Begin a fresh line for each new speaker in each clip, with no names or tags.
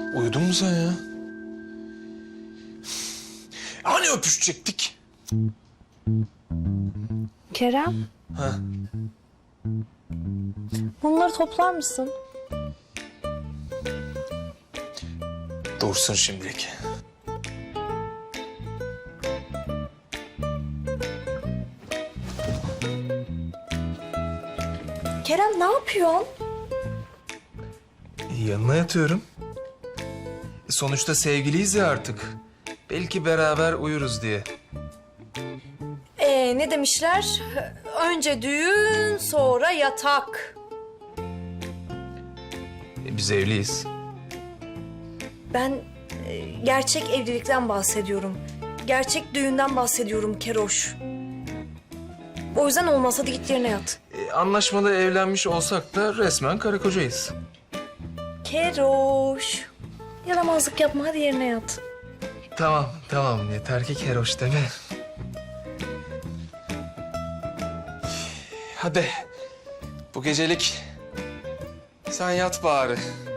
Uyudun mu sen ya? Hani öpüşecektik?
Kerem,
Ha?
bunları toplar mısın?
Dursun şimdilik.
Kerem ne yapıyorsun?
Yanına yatıyorum. Sonuçta sevgiliyiz ya artık. Belki beraber uyuruz diye.
Ne demişler? Önce düğün, sonra yatak.
Biz evliyiz.
Ben gerçek evlilikten bahsediyorum. Gerçek düğünden bahsediyorum Keroş. O yüzden olmaz, hadi git yerine yat.
Anlaşmalı evlenmiş olsak da resmen karı kocayız.
Keroş. Yaramazlık yapma, hadi yerine yat.
Tamam. Yeter ki keroş deme. Hadi. Bu gecelik sen yat bari.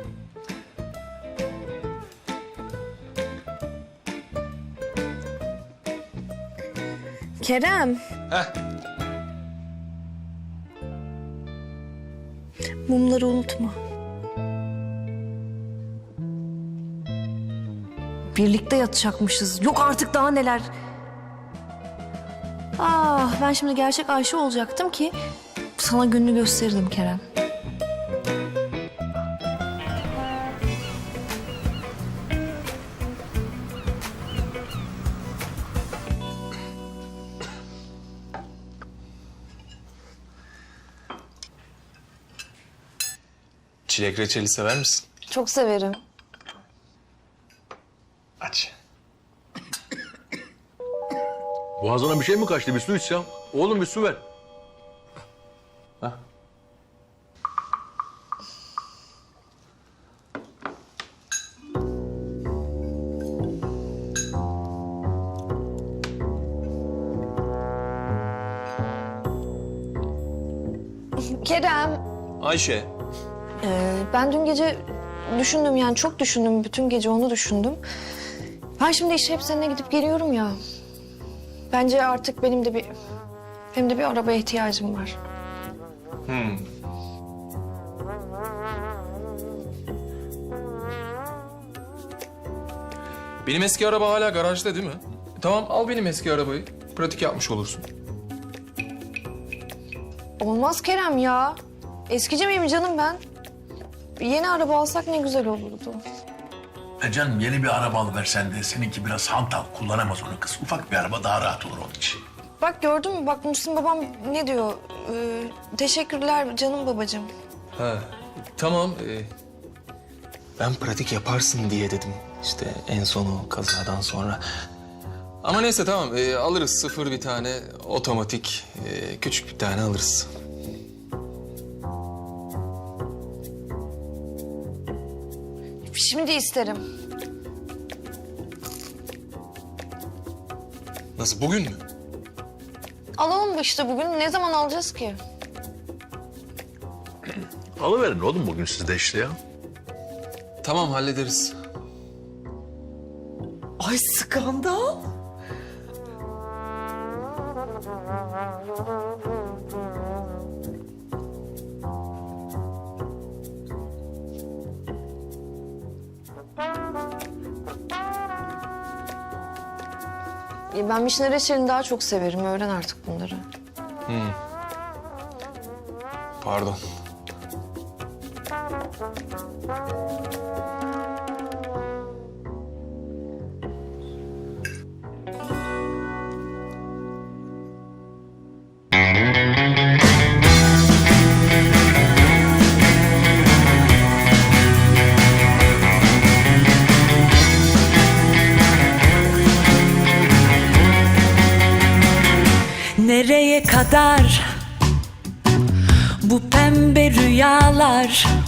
Kerem.
Heh.
Mumları unutma. Birlikte yatacakmışız. Yok artık daha neler. Ben şimdi gerçek Ayşe olacaktım ki sana gününü gösterirdim Kerem.
Çilek reçeli sever misin?
Çok severim.
Aç.
Boğazına bir şey mi kaçtı? Bir su içsem. Oğlum bir su ver.
Kerem,
Ayşe.
ben dün gece düşündüm, yani çok düşündüm. Bütün gece onu düşündüm. Ben şimdi işe hep seninle gidip geliyorum ya. Bence artık benim de bir arabaya ihtiyacım var.
Benim eski araba hala garajda değil mi? Tamam, al benim eski arabayı. Pratik yapmış olursun.
Olmaz Kerem ya. Eskici miyim canım ben? Yeni araba alsak ne güzel olurdu.
Canım yeni bir araba alıversen de seninki biraz hantal. Kullanamaz onu kız. Ufak bir araba daha rahat olur onun için.
Bak gördün mü? Bak Muhsin babam ne diyor? Teşekkürler canım babacığım.
Ha, tamam. Ben pratik yaparsın diye dedim. İşte en sonu kazadan sonra. Ama neyse tamam, alırız sıfır bir tane otomatik, küçük bir tane alırız.
Şimdi isterim.
Nasıl, bugün mü?
Alalım işte bugün. Ne zaman alacağız ki?
Alıverin oğlum bugün siz de işte ya.
Tamam, hallederiz.
Ay skandal.
Ben vişne reçelini daha çok severim. Öğren artık bunları.
Pardon.
Nereye kadar bu pembe rüyalar?